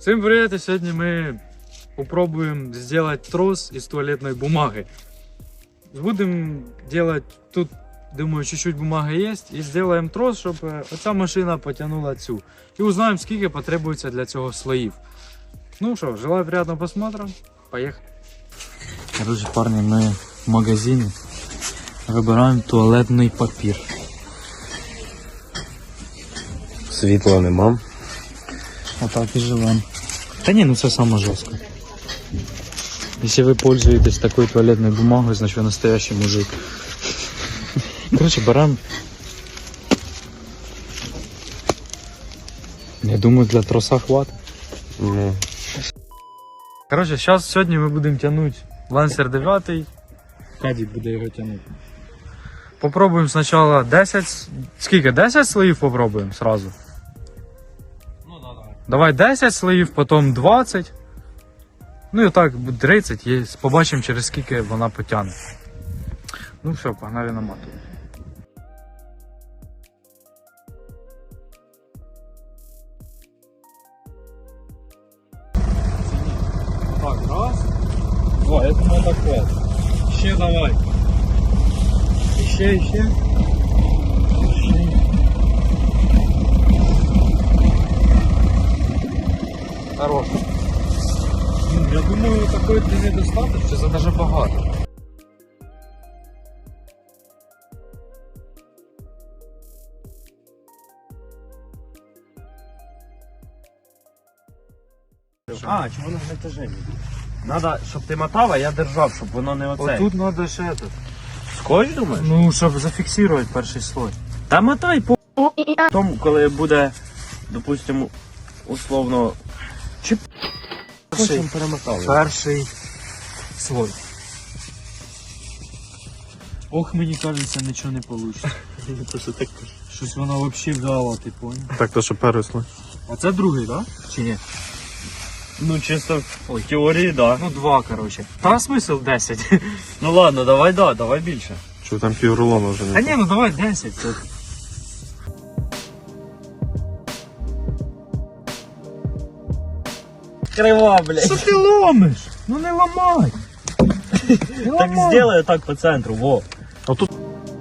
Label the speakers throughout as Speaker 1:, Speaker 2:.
Speaker 1: Всем привет! И сегодня мы попробуем сделать трос из туалетной бумаги. Будем делать, тут, думаю, чуть-чуть бумаги есть. И сделаем трос, чтобы оця машина потянула цю. И узнаем, сколько потребуется для цього слоїв. Ну что, желаю приятного просмотра. Поехали! Короче, парни, мы в магазине выбираем туалетный папир.
Speaker 2: Світла нема.
Speaker 1: Отак і живем. Та ні, ну це саме жорстко. Если вы пользуетесь такой туалетной бумагой, значит вы настоящий мужик. Короче, берем. Я думаю, для троса хватит.
Speaker 2: Ну.
Speaker 1: Короче, сьогодні ми будемо тягнути Lancer 9. Кадік буде його тягнути. Попробуємо спочатку 10. Скільки? 10 слоїв попробуємо сразу.
Speaker 2: Ну да, давай.
Speaker 1: Давай 10 слоїв, потім 20. Ну і так, 30 є. Побачимо, через скільки вона потягне. Ну все, погнали наматувати. Так, раз. Два, я думаю, так хватит. Ще давай. Ще. Хорош. Я думаю, такої длини достатньо, чи це даже багато.
Speaker 2: А, чого воно в натяженні? Надо, щоб ти мотав, а я держав, щоб воно не оце.
Speaker 1: Отут треба ще этот.
Speaker 2: Скотч, думаєш?
Speaker 1: Ну, щоб зафіксувати перший слой.
Speaker 2: Та мотай по тому, коли буде, допустимо, условно, чи
Speaker 1: Перший.
Speaker 2: перемотали.
Speaker 1: Перший слой. Ох, мені кажеться, нічого не вийде. Щось воно взагалі вдало, ти понял?
Speaker 3: Так, то що пересли.
Speaker 1: А це другий, так? Да? Чи ні?
Speaker 2: Ну, чисто в теорії, да.
Speaker 1: Ну, 2, коротше. Та смисл 10.
Speaker 2: Ну ладно, давай більше.
Speaker 3: Що там піврулона вже
Speaker 1: А
Speaker 3: не.
Speaker 1: ні, ну давай 10. Це...
Speaker 2: Крива, блядь.
Speaker 1: Що ти ломиш? Ну не ламай.
Speaker 2: Так сделай так по центру, во.
Speaker 3: А тут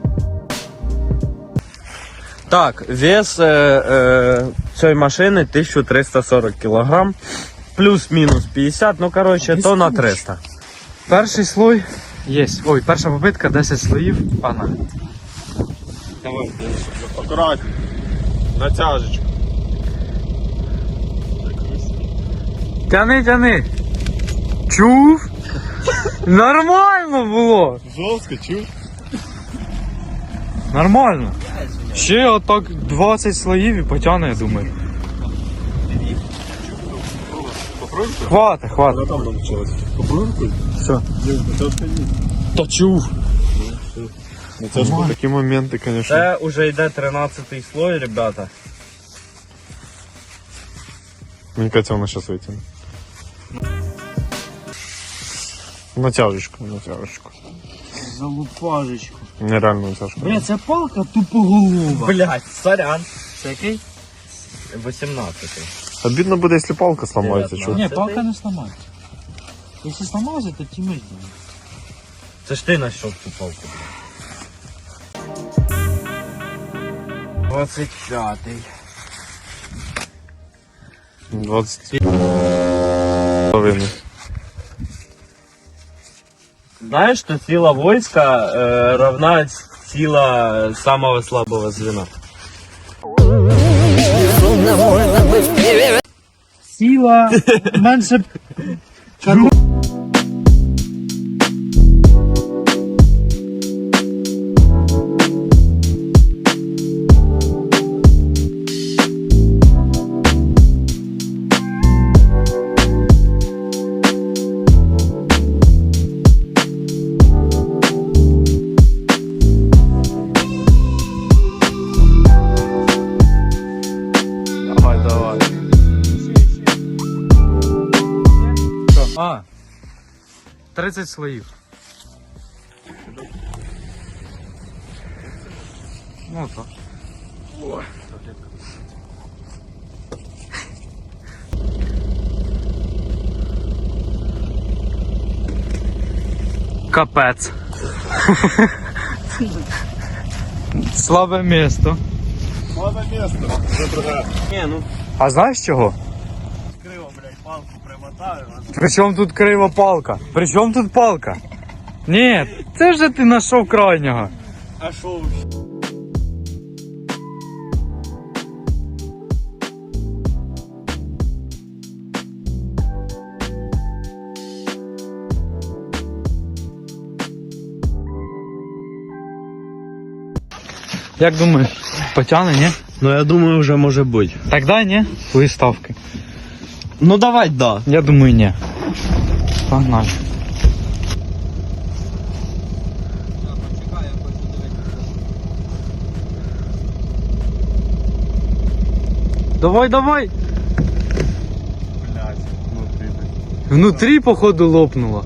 Speaker 2: Так, вес цієї машини 1340 кг, плюс-мінус 50, ну коротше, то на 300.
Speaker 1: Перший слой є. Ой, перша попитка, 10 слоїв. Погнали.
Speaker 3: давай. Акуратно. Натяжечку.
Speaker 1: Тяни. Чув? Нормально було.
Speaker 3: Жорстко, чув?
Speaker 1: Нормально. Ще отак 20 слоїв і потягне, я думаю. Хватить.
Speaker 3: Вона там навчилась. Попробуй.
Speaker 1: Все.
Speaker 3: Натяжка є.
Speaker 1: Та чув.
Speaker 3: Натяжка. Такі моменти, звісно.
Speaker 2: Це вже йде 13-й слой, ребята.
Speaker 3: Мені кажеться, вона зараз витягне. Натяжечку.
Speaker 1: Залупажечку.
Speaker 3: Нереально натяжка.
Speaker 1: Бля, ця палка тупоголова.
Speaker 2: Блять, сорян. Це який? 18-й.
Speaker 3: Обідно буде, якщо палка сламається,
Speaker 2: 19.
Speaker 3: чув?
Speaker 1: Ні, палка не сломається. Якщо сломається, то тімиш буде.
Speaker 2: Це ж ти знайшов цю палку. 25-й.
Speaker 3: 20.
Speaker 2: Знаешь, что сила войска равна сила самого слабого звена?
Speaker 1: Сила менше...
Speaker 3: Давай.
Speaker 1: 30 слоїв. Ну так. Капець. Слабе місто.
Speaker 3: Слабе місто.
Speaker 2: Ні, ну
Speaker 1: А знаєш чого?
Speaker 2: криво, блядь, палку примотаю.
Speaker 1: Причому тут крива палка? Причому тут палка? Ні, це вже ти знайшов крайнього.
Speaker 2: А шо?
Speaker 1: Як думаєш, потягне, ні?
Speaker 2: Ну я думаю, вже може бути.
Speaker 1: Так дай, ні? Твої ставки.
Speaker 2: Ну давай, да.
Speaker 1: Я думаю, ні. Погнали. Давай, давай.
Speaker 3: Блядь, внутрі.
Speaker 1: Внутрі, походу, лопнуло.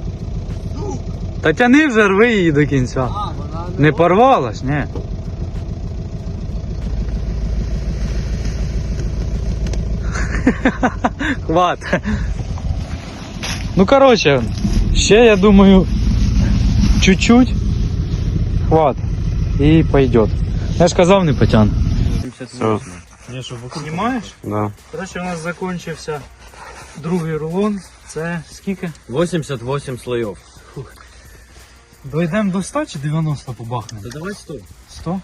Speaker 1: Та тяни вже, рви її до кінця. Не порвалась, ні. Хват. Ну, короче, ще, я думаю, чуть-чуть. Хват. І пойдет. Я ж казав, не потягну.
Speaker 3: Все.
Speaker 2: Ні, що
Speaker 1: Знімаєш?
Speaker 3: Да.
Speaker 1: Короче, у нас закінчився другий рулон. Це скільки?
Speaker 2: 88 слоїв.
Speaker 1: Дойдемо до 100 чи 90 побахнемо?
Speaker 2: Та давай 100.
Speaker 1: 100?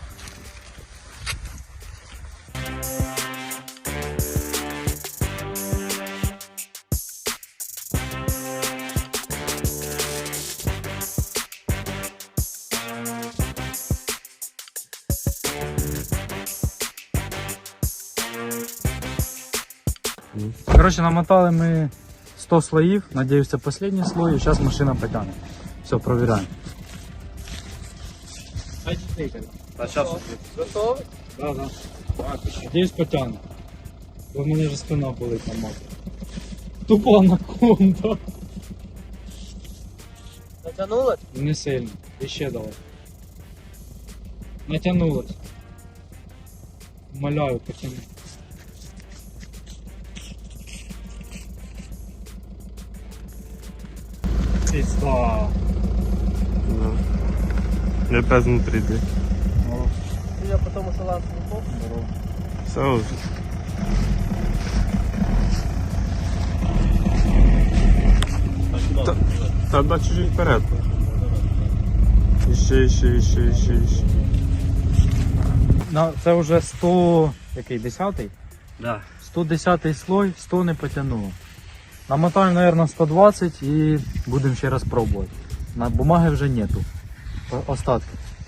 Speaker 1: Короче, намотали ми 100 слоїв. Надіюсь, це останній слой, і зараз машина потягне. Все, провіряємо.
Speaker 2: А зараз
Speaker 1: Готовий? Да, да. Надіюсь, потягне. Бо в мене вже спина болить на мапі. Тупо анаконда.
Speaker 4: Натянулось?
Speaker 1: Не сильно. І ще давай. Натягнулось. Умоляю, потягни. Пизда.
Speaker 3: Я опять внутрі йди.
Speaker 4: Я потом ушла в клуб.
Speaker 3: Все вже. Та чуть-чуть вперед. Іще.
Speaker 1: Це вже 100... Який? 10-й?
Speaker 2: Да.
Speaker 1: 110 слой, 100 не потягнуло. Намотаємо, наверное, 120 і будемо ще раз пробувати. На бумаги вже нету. Остатки.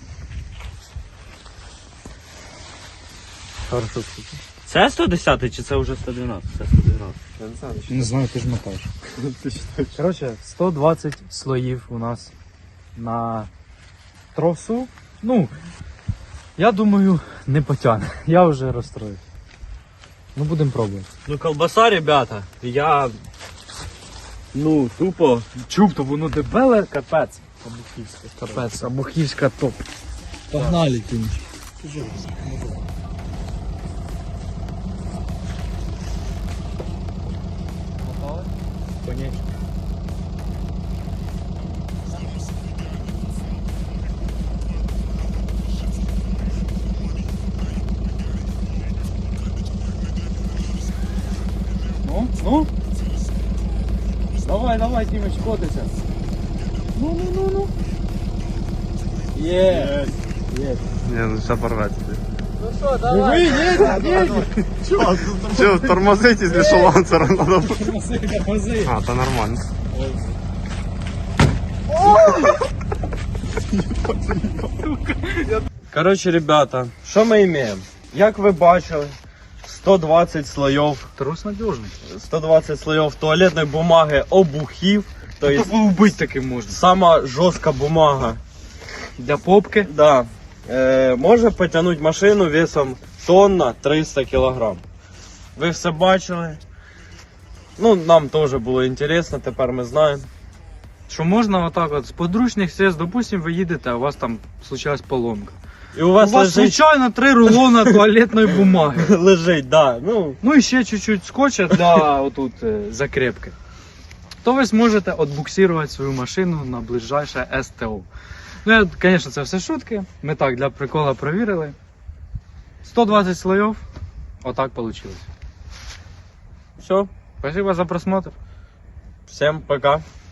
Speaker 1: Хорошо.
Speaker 2: Це 110 чи це вже 112? Це 112.
Speaker 3: Я не знаю,
Speaker 1: Не знаю, ти ж мотаєш.
Speaker 3: ти считаєш.
Speaker 1: Коротше, 120 слоїв у нас на тросу. Ну, я думаю, не потягне. Я вже розстроїв. Ну, будемо пробувати.
Speaker 2: Ну колбаса, ребята, я... Ну, тупо.
Speaker 1: Чуб, то воно дебеле, капець. Абухівська. Капець, абухівська топ. Погнали, кінь. Конечно. Ну? Давай, Дімич, котися. Ну. Є.
Speaker 3: Ні, ну все порвати.
Speaker 4: Ну что, давай.
Speaker 1: Едь.
Speaker 3: Че, тормозить, если что, ланцера надо.
Speaker 1: Тормози.
Speaker 3: А, то нормально.
Speaker 2: Короче, ребята, що ми маємо? Як ви бачили, 120 слоїв,
Speaker 1: Трос надежный.
Speaker 2: 120 слоїв туалетної бумаги обухів. То есть
Speaker 1: Убить таким можна.
Speaker 2: сама жорстка бумага.
Speaker 1: Для попки.
Speaker 2: Да. Може потягнути машину весом тонна 300 кг. Ви все бачили. Ну, нам теж було цікаво, тепер ми знаємо.
Speaker 1: Що можна отак от з подручних средств, допустим, ви їдете, а у вас там случилась поломка.
Speaker 2: І у вас,
Speaker 1: У вас
Speaker 2: лежить,
Speaker 1: случайно 3 рулона туалетної бумаги.
Speaker 2: лежить, да. Ну,
Speaker 1: Ну і ще чуть-чуть скотча для отут закрепки. то ви зможете отбуксувати свою машину на ближайше СТО. Ну, звісно, це все шутки. Ми так для прикола провірили. 120 слоїв. Отак вийшло.
Speaker 2: Все,
Speaker 1: Спасибо за просмотр.
Speaker 2: всем пока.